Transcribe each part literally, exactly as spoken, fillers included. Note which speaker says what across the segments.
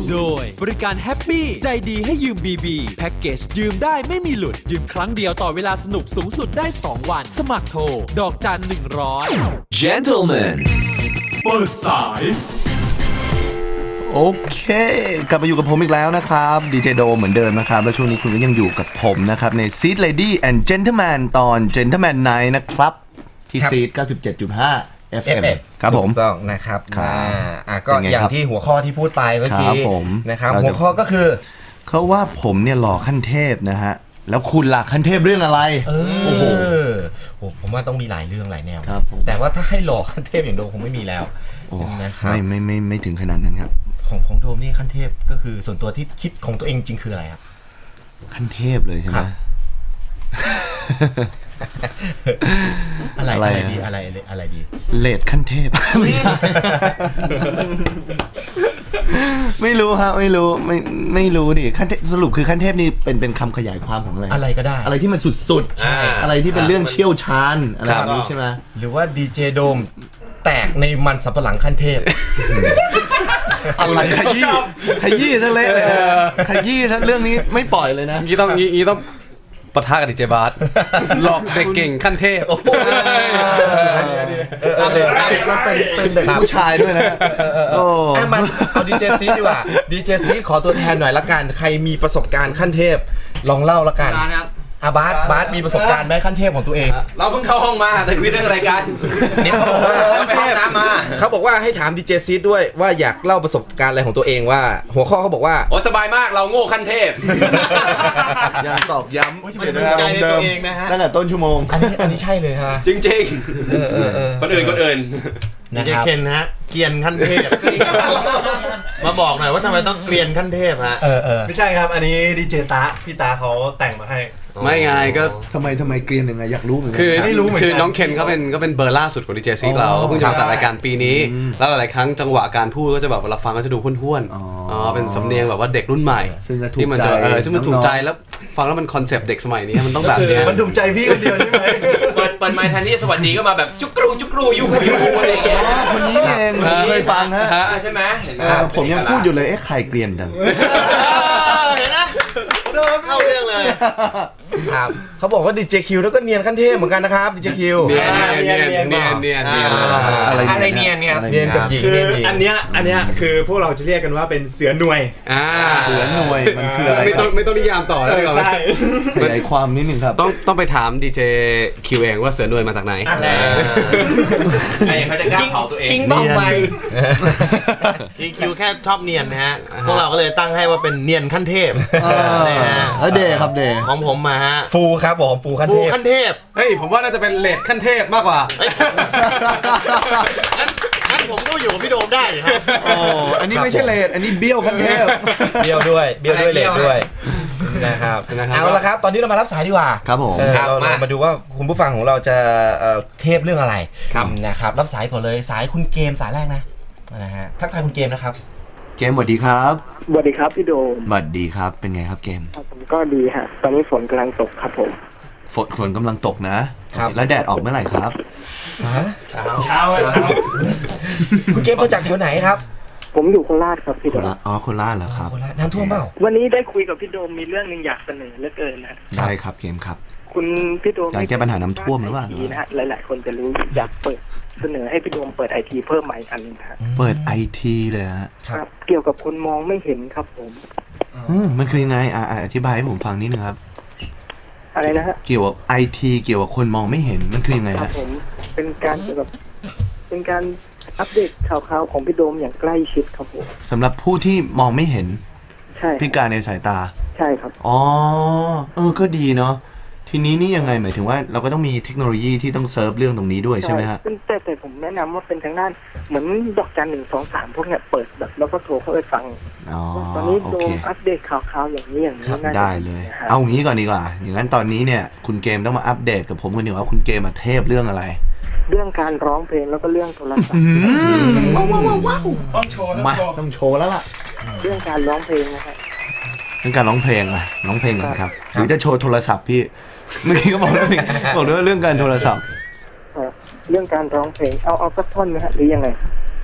Speaker 1: โดยบริการแฮปปี้ใจดีให้ยืม บี บี แพ็กเกจยืมได้ไม่มีหลุดยืมครั้งเดียวต่อเวลาสนุกสูงสุดได้สองวันสมัครโทรดอกจันหนึ่งร้อย
Speaker 2: Gentleman
Speaker 1: เปิดสาย
Speaker 2: โอเคกลับมาอยู่กับผมอีกแล้วนะครับดีเจโดเหมือนเดิมนะครับและช่วงนี้คุณก็ยังอยู่กับผมนะครับใน Seed Lady and Gentleman ตอน Gentleman Night นะครับที่ Seed เก้าสิบเจ็ดจุดห้า เอฟ เอ็ม ครับผม
Speaker 3: ถูกต้องนะครับอ่าก็อย่างที่หัวข้อที่พูดไปเมื่อกี้นะครับหัวข้อก็คือ
Speaker 2: เขาว่าผมเนี่ยหล่อขั้นเทพนะฮะแล้วคุณล่ะขั้นเทพเรื่องอะไร
Speaker 3: โอ้โหผมว่าต้องมีหลายเรื่องหลายแนวแต่ว่าถ้าให้หล่อขั้นเทพอย่างโดมคงไม่มีแล้ว
Speaker 2: นะครับไม่ไม่ไม่ไม่ถึงขนาดนั้นครับ
Speaker 3: ของของโดมนี่ขั้นเทพก็คือส่วนตัวที่คิดของตัวเองจริงคืออะไรครับ
Speaker 2: ขั้นเทพเลยใช่ไหม
Speaker 3: อะไรอะไรดีอะไรอะไรดี
Speaker 2: เลดขั้นเทพไม่ใช่ไม่รู้ครับไม่รู้ไม่ไม่รู้ดิขั้นเทพสรุปคือขั้นเทพนี่เป็นเป็นคำขยายความของอะไร
Speaker 3: อะไรก็ได้
Speaker 2: อะไรที่มันสุดๆอะไรที่เป็นเรื่องเชี่ยวชาญอะไรแบบนี้ใช่ไหม
Speaker 3: หรือว่าดีเจโดมแตกในมันสับปะหลังขั้นเทพ
Speaker 2: อะไรขยี้ขยี้ทั้งเละเลยขยี้ทั้งเรื่องนี้ไม่ปล่อยเลยนะ
Speaker 4: งี้ต้องงี้ต้องปะทะกับดีเจบาสหลอกเด็กเก่งขั้นเทพ
Speaker 2: โอ้แล้วเป็นเป็นเด็กผู้ชายด้วยนะ
Speaker 3: โอ้มันเอาดีเจซีดีกว่าดีเจซีขอตัวแทนหน่อยละกันใครมีประสบการณ์ขั้นเทพลองเล่าละกันอาบาสบาสมีประสบการณ์ไหมขั้นเทพของตัวเอง
Speaker 4: เราเพิ่งเข้าห้องมาแต่คุยเรื่องอะไรกัน
Speaker 3: เนี่ยเขาบอกว่าไปห้องน้ำมาเขาบอกว่าให้ถามดีเจซีด้วยว่าอยากเล่าประสบการณ์อะไรของตัวเองว่าหัวข้อเขาบอกว่า
Speaker 4: โอ้สบายมากเราโง่ขั้นเทพ
Speaker 2: ยังตอกย้ำ
Speaker 3: ใจในตัวเองนะฮะ
Speaker 2: ตั้งแต่ต้นชั่วโมง
Speaker 3: อันนี้อันนี้ใช่เลยฮะ
Speaker 4: จริงๆคนอื่นคนอื่น
Speaker 3: ดีเจเคนฮะเกียนขั้นเทพมาบอกหน่อยว่าทำไมต้องเกลียนขั้นเทพฮะ
Speaker 5: ไม่ใช่ครับอันนี้ดีเจตาพี่ตาเขาแต่งมาให้
Speaker 4: ไม่ไงก็
Speaker 2: ทำไมทำไมเกลียนยังไงอยากรู้เหมือนกั
Speaker 4: นคือไม่รู้เหมือนกันคือน้องเคนเขาเป็นก็เป็นเบอร์ล่าสุดของดีเจซีเราก็เพิ่งทำจากรายการปีนี้แล้วหลายครั้งจังหวะการพูดก็จะแบบเวลาฟังก็จะดูห้วนๆอ๋อเป็นสำเนียงแบบว่าเด็กรุ่นใหม่ที่มันจะเออซึ่งมันถูกใจแล้วฟังแล้วมันคอนเซปต์เด็กสมัยนี้มันต้องแบบนี้
Speaker 5: มันถูกใจพี่คนเดียวใช่ไหม
Speaker 4: เปิดเปิดไมค์แทนที่สวัสดีก็มาแบบจุกรูจุกรูยูยูอะไรอย่างเงี้ย
Speaker 2: คนนี้เองเคยฟังฮะ
Speaker 4: ใช่ไหมเห็นไหม
Speaker 2: ผมยังพูดอยู่เลยเอ๊ะใครเกลียนจัง
Speaker 3: เห็นนะโดนเข้าเรื่องเลยครับเขาบอกว่าดีเจคิวแล้วก็เนียนขั้นเทพเหมือนกันนะครับดีเจคิว
Speaker 4: เนียนเนียนเนียนเนียนเนียน
Speaker 3: อะไรอะไรเนียนเนี่ย
Speaker 5: เนียนกับหญิงคืออันเนี้ยอันเนี้ยคือพวกเราจะเรียกกันว่าเป็นเสือหน่วย
Speaker 4: อ่า
Speaker 2: เสือหน่วยมันคืออะไร
Speaker 4: ไม่ต้องไม่ต้องนิยามต่อแล้ว
Speaker 2: ใช่ขยายความนิดนึงครับ
Speaker 4: ต้องต้องไปถามดีเจคิวเองว่าเสือหน่วยมาจากไหนไอ้เขาจะกล้าเผาตัวเอง
Speaker 3: จริงบ้างไปดีคิวแค่ชอบเนียนนะฮะพวกเราก็เลยตั้งให้ว่าเป็นเนียนขั้นเทพ
Speaker 2: เดย์ครับเดย์
Speaker 3: ของผมมาฮะ
Speaker 5: ฟูครับผมฟูขั้นเทพ
Speaker 3: ฟูขั้นเทพ
Speaker 4: เฮ้ยผมว่าน่าจะเป็นเลดขั้นเทพมากกว่า
Speaker 3: งั้นผมก็อยู่กับพี่โดมได้ครับ
Speaker 2: โอ้อันนี้ไม่ใช่เลดอันนี้เบี้ยวขั้นเทพ
Speaker 3: เบี้ยวด้วยเบี้ยวด้วยเลดด้วยนะครับเอาละครับตอนนี้เรามารับสายดีกว่า
Speaker 2: ครับผม
Speaker 3: เรามาดูว่าคุณผู้ฟังของเราจะเทพเรื่องอะไรนะครับรับสายก่อนเลยสายคุณเกมสายแรกนะนะฮะทักทายคุณเกมนะครับ
Speaker 2: เกมสวัสดีครับ
Speaker 6: สวัสดีครับพี่โดม
Speaker 2: สวัสดีครับเป็นไงครับเกม
Speaker 6: ผมก็ดีฮะตอนนี้ฝนกำลังตกครับผม
Speaker 2: ฝนฝนกำลังตกนะครับแล้วแดดออกเมื่อไหร่ครับ
Speaker 3: ฮะเช้าเช้าเช้าคุณเกมมาจากแถวไหนครับ
Speaker 6: ผมอยู่โคราชครับพี่โดม
Speaker 2: อ๋อโคราชเหรอครับ
Speaker 3: น้ำท่วมเปล่า
Speaker 6: วันนี้ได้คุยกับพี่โดมมีเรื่องนึงอยากเสนอเหลือเกินนะ
Speaker 2: ได้ครับเกมครับ
Speaker 6: คุณพี่โดม
Speaker 2: อยากแก้ปัญหาน้ำท่วมหรือเปล่า
Speaker 6: นะฮะหลายๆคนจะรู้อยากเปิดเสนอให้พี่โดมเปิดไอทีเพิ่มใหม่อันนึงครับ
Speaker 2: เปิดไอทีเลยฮะ
Speaker 6: ครับเกี่ยวกับคนมองไม่เห็นครับผม
Speaker 2: อืมมันคือยังไงอ่าอธิบายให้ผมฟังนิดนึงครับ
Speaker 6: อะไรนะฮะ
Speaker 2: เกี่ยวกับไอทีเกี่ยวกับคนมองไม่เห็นมันคือยังไง
Speaker 6: ฮะผมเป็นการเกี่ยวกับเป็นการอัปเดตข่าวๆของพี่โดมอย่างใกล้ชิดครับผม
Speaker 2: สำหรับผู้ที่มองไม่เห็น
Speaker 6: ใช่
Speaker 2: พิการในสายตา
Speaker 6: ใช่ครับ
Speaker 2: อ๋อเออก็ดีเนาะทีนี้นี่ยังไงหมายถึงว่าเราก็ต้องมีเทคโนโลยีที่ต้องเซิร์ฟเรื่องตรงนี้ด้วยใช่ไหมฮะ
Speaker 6: แต่แต่ผมแนะนำว่าเป็นทางด้านเหมือนดอกจันหนึ่งสองสามพวกเนี้ยเปิดแบบแล้วก็โทรเข้าไปฟังตอนนี้โดมอัปเดตข่าวๆอย่างนี้อย่างนี้
Speaker 2: ได้เลยเอางี้ก่อนดีกว่าอย่างนั้นตอนนี้เนี่ยคุณเกมต้องมาอัปเดตกับผมกันดีกว่าคุณเกมมาเทพเรื่องอะไร
Speaker 6: เรื่องการร้องเพลงแล้วก็เรื่องโทรศัพท์
Speaker 5: ว้าวว้าวว้าวต้องโชว์
Speaker 2: มาต้องโชว์แล้วล่ะ
Speaker 6: เรื่องการร้องเพลงนะครับ
Speaker 2: เรื่องการร้องเพลงอะร้องเพลงกันครับหรือจะโชว์โทรศัพท์พี่เมื่อกี้ก็บอกเรื่องบอกด้วยเรื่องการโทรศัพท์
Speaker 6: เรื่องการร้องเพลงเอาเอาสักท่อนไหมฮะหรือยังไง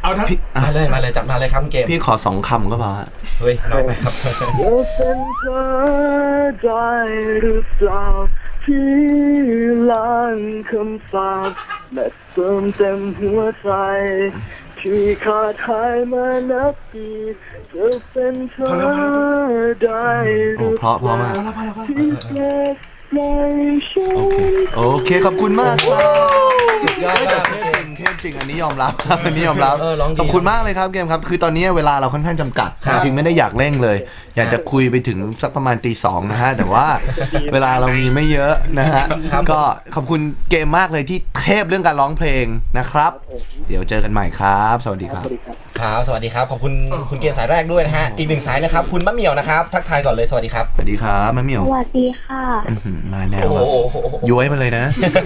Speaker 5: เอาทั้ง
Speaker 3: มาเลยมาเลยจับมาเลยครับเกม
Speaker 2: พี่ขอสองคำก็พอฮะ
Speaker 3: เฮ้ยน้อยไปครับ
Speaker 6: เป็นเธอได้หรือเปล่าที่ล้างคำสาปและเติมเต็มหัวใจที่ขาดหายมานับปีเธอเป็นเธอได้หรือเปล่าที่เก็บไว้ฉัน
Speaker 2: โอเคขอบคุณมากสุดยอดมากเทพจริงอันนี้ยอมรับอันนี้ยอมรับขอบคุณมากเลยครับเกมครับคือตอนนี้เวลาเราค่อนข้างจำกัดจริงไม่ได้อยากเร่งเลยอยากจะคุยไปถึงสักประมาณตีสองนะฮะแต่ว่าเวลาเรามีไม่เยอะนะฮะก็ขอบคุณเกมมากเลยที่เทพเรื่องการร้องเพลงนะครับเดี๋ยวเจอกันใหม่ครับสวัสดีครับ
Speaker 3: ครับสวัสดีครับขอบคุณคุณเกมสายแรกด้วยนะฮะอีกหนึ่งสายนะครับคุณมะเหมี่ยวนะครับทักทายก่อนเลยสวัสดีครับ
Speaker 2: สวัสดีครับมะเหมี่ยว
Speaker 6: สวัสดีค่ะ
Speaker 2: มาแนวย้อยมาเลยนะ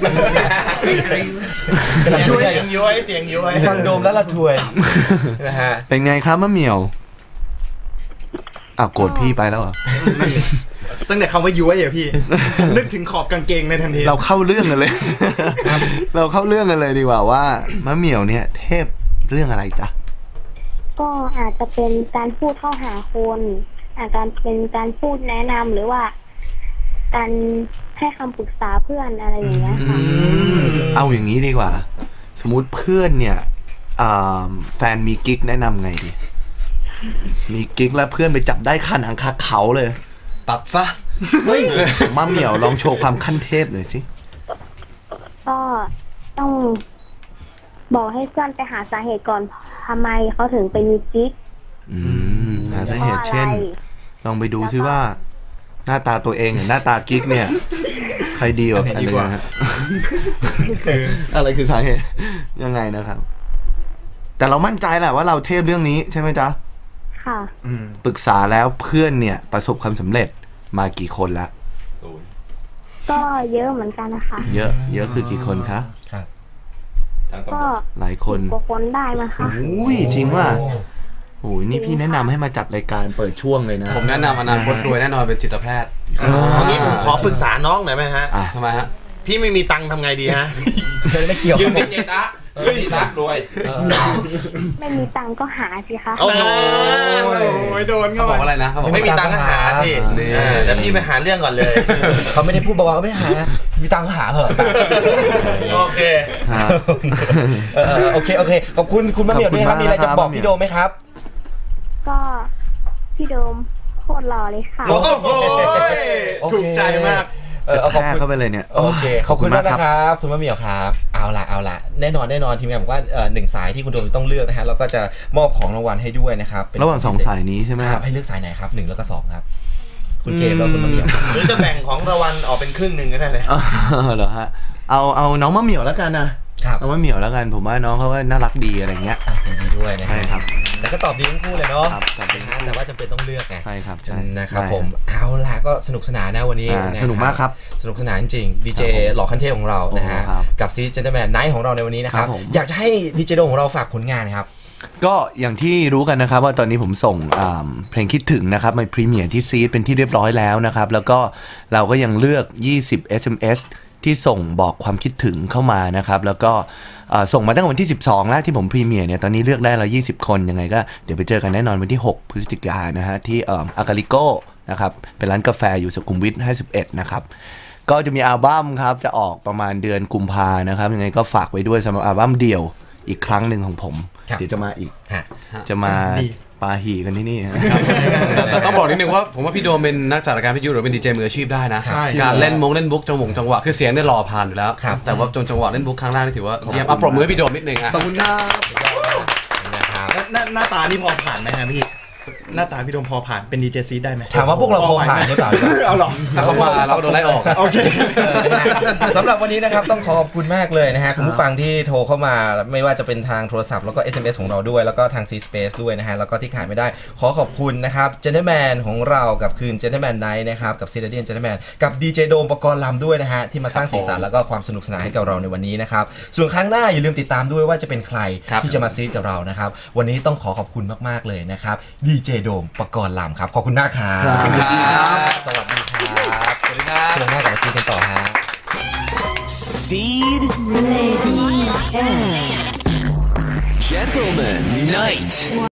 Speaker 5: ย้อยย้อยเสียงย้อย
Speaker 3: ฟังโดมแล้วละทวยนะฮะ
Speaker 2: เป็นไงครับมะเหมี่ยวอ้าวโกรธพี่ไปแล้วเหรอ
Speaker 5: ตั้งแต่คำว่าย้อยอ่ะพี่นึกถึงขอบกางเกงในทันที
Speaker 2: เราเข้าเรื่องกันเลยเราเข้าเรื่องกันเลยดีกว่าว่ามะเหมี่ยวเนี่ยเทพเรื่องอะไรจ๊ะ
Speaker 6: ก็อาจจะเป็นการพูดเข้าหาคนอาจจะเป็นการพูดแนะนำหรือว่าการให้คำปรึกษาเพื่อนอะไรอย่างเงี้ยค่ะ
Speaker 2: เอาอย่างนี้ดีกว่าสมมุติเพื่อนเนี่ยแฟนมีกิ๊กแนะนำไงดีมีกิ๊กแล้วเพื่อนไปจับได้ขั้นหางคาเขาเลย
Speaker 3: ตัดซะ
Speaker 2: เฮ้ยมะเหมี่ยวลองโชว์ความขั้นเทพหน่อยสิ
Speaker 6: ก็ต้องบอกให้เพื่อนไปหาสาเหตุก่อนทำไมเขาถึงไปมีกิ๊ก
Speaker 2: อืมหาสาเหตุเช่นลองไปดูซิว่าหน้าตาตัวเองกับหน้าตากิ๊กเนี่ยใครดีกว่ากันเลยฮะอะไรคือสาเหตุยังไงนะครับแต่เรามั่นใจแหละว่าเราเทพเรื่องนี้ใช่ไหมจ๊ะ
Speaker 6: ค่ะ
Speaker 2: ปรึกษาแล้วเพื่อนเนี่ยประสบความสำเร็จมากี่คนละ
Speaker 6: ก็เยอะเหมือนกันนะคะ
Speaker 2: เยอะเยอะคือกี่คนคะ
Speaker 6: ก็
Speaker 2: หลายคน
Speaker 6: กว่าคนได้มาค่ะ
Speaker 2: อุ้ยจริงว่าโอ้ยนี่พี่แนะนำให้มาจัดรายการเปิดช่วงเลยนะ
Speaker 4: ผมแนะนำอนาคตรวยแน่นอนเป็นจิตแพทย์
Speaker 5: อันนี้ผมขอปรึกษาน้องหน่อยไหมฮะ
Speaker 4: ทำไมฮะ
Speaker 5: พี่ไม่มีตังค์ทำไงดีฮะ
Speaker 3: ไม่เกี่ยว
Speaker 5: ยืมดิเจตะดีตะรวย
Speaker 6: ไม่มีตังค์ก็หาสิคะ
Speaker 5: โอ้ยโดนเขา
Speaker 4: บอกอะไรนะเขาบอก
Speaker 5: ไม่มีตังค์ก็หาสิแล้วพี่ไปหาเรื่องก่อนเลย
Speaker 3: เขาไม่ได้พูดบอกว่าไม่หามีตังค์ก็หาเหอะ
Speaker 5: โอเค
Speaker 3: โอเคโอเคขอบคุณคุณมะเหมี่ยวด้วยครับมีอะไรจะบอกพี่โดมไหมครับ
Speaker 6: ก็พี่โดมโคตรหล่อเลยค่ะ
Speaker 5: โอ้โหถูกใจมาก
Speaker 2: เออเอาเข้าไปเลยเนี่ย
Speaker 3: โอเคขอบคุณมากนะครับคุณมะเหมี่ยวครับเอาละเอาละแน่นอนแน่นอนทีมงานบอกว่าหนึ่งสายที่คุณโดมต้องเลือกนะฮะเราก็จะมอบของรางวัลให้ด้วยนะครับ
Speaker 2: ระหว่างสองสายนี้ใช่ไหม
Speaker 3: ครับให้เลือกสายไหนครับหนึ่งแล้วก็สองครับคุณเกมแล้วคุณมะเหมี่ยว
Speaker 5: หรือจะแบ่งของรางวัลออกเป็นครึ่งหนึ่งก็ได้เลย
Speaker 2: เหรอฮะเอาเอาน้องมะเหมี่ยวแล้วกันนะน้องมะเหมี่ยวแล้วกันผมว่าน้องเขาก็น่ารักดีอะไรเงี้ย
Speaker 3: ดีด้วยนะ
Speaker 2: ใช่ครับ
Speaker 3: แล้วก็ตอบดีทั้งคู่เลยเนาะแต่ว่าจำเป็นต้องเลือกไง
Speaker 2: ใช่ครับ
Speaker 3: นะครับผมเอาล่ะก็สนุกสนานนะวันนี้
Speaker 2: สนุกมากครับ
Speaker 3: สนุกสนานจริงดีเจหล่อขั้นเทพของเรานะฮะกับซีเจนเตอร์แมนไนท์ของเราในวันนี้นะครับอยากจะให้ดีเจโดของเราฝากผลงานครับ
Speaker 2: ก็อย่างที่รู้กันนะครับว่าตอนนี้ผมส่งเพลงคิดถึงนะครับมาพรีเมียร์ที่ซีเป็นที่เรียบร้อยแล้วนะครับแล้วก็เราก็ยังเลือกยี่สิบ เอส เอ็ม เอส ที่ส่งบอกความคิดถึงเข้ามานะครับแล้วก็ส่งมาตั้งแต่วันที่สิบสองแล้วที่ผมพรีเมียร์เนี่ยตอนนี้เลือกได้แล้วยี่สิบคนยังไงก็เดี๋ยวไปเจอกันแน่นอนวันที่หกพฤศจิกายนนะฮะที่อากาลิโก้นะครับเป็นร้านกาแฟอยู่สุขุมวิทห้าสิบเอ็ดนะครับก็จะมีอัลบั้มครับจะออกประมาณเดือนกุมภานะครับยังไงก็ฝากไว้ด้วยสำหรับอัลบั้มเดี่ยวอีกครั้งหนึ่งของผมเดี๋ยวจะมาอีกจะมาปาหีกันที่นี่
Speaker 4: แต่ต้องบอกนิดนึงว่าผมว่าพี่โดมเป็นนักจัดรายการพิทยุหรือเป็นดีเจมืออาชีพได้นะการเล่นมงเล่นบุ๊กจังหวงจังหวะคือเสียงได้รอผ่านอยู่แล้วแต่ว่าจนจังหวะเล่นบุ๊กครั้งแรกนี่ถือว่าเยี่ยมอ่ะปรบมือให้พี่โดมนิดนึงอ่ะ
Speaker 2: ขอบคุณครับ
Speaker 5: หน้าตานี่พอผ่านไหมฮะพี่หน้าตาพี่โดมพอผ่านเป็นดีเจซีได้ไหม
Speaker 3: ถามว่าพวกเราพอผ่านหรือเปล่า
Speaker 5: เอาหรอ
Speaker 4: เขามาเราโดนไล่ออก
Speaker 5: โอเค
Speaker 3: สำหรับวันนี้นะครับต้องขอบคุณมากเลยนะฮะคุณผู้ฟังที่โทรเข้ามาไม่ว่าจะเป็นทางโทรศัพท์แล้วก็ เอส เอ็ม เอส ของเราด้วยแล้วก็ทาง C Space ด้วยนะฮะแล้วก็ที่ขาดไม่ได้ขอขอบคุณนะครับ Gentleman ของเรากับคืน Gentleman Night นะครับกับ Citadel Gentleman กับดีเจโดมปกรณ์ลำด้วยนะฮะที่มาสร้างสีสันแล้วก็ความสนุกสนานให้กับเราในวันนี้นะครับส่วนครั้งหน้าอย่าลืมติดตามด้วยว่าจะเป็นใครที่จะมาซีดกับเรานะครับวันนี้ต้องขอขอบคุณมากๆเลยนะครับดีเจโดมปกรณ์ลำครับขอบคุณมากครับสวัสดีครับสวัสดีครับสวัสดีครับเชิญหน้ากับซีดกันต่อฮะ Seed Lady
Speaker 7: Gentleman Night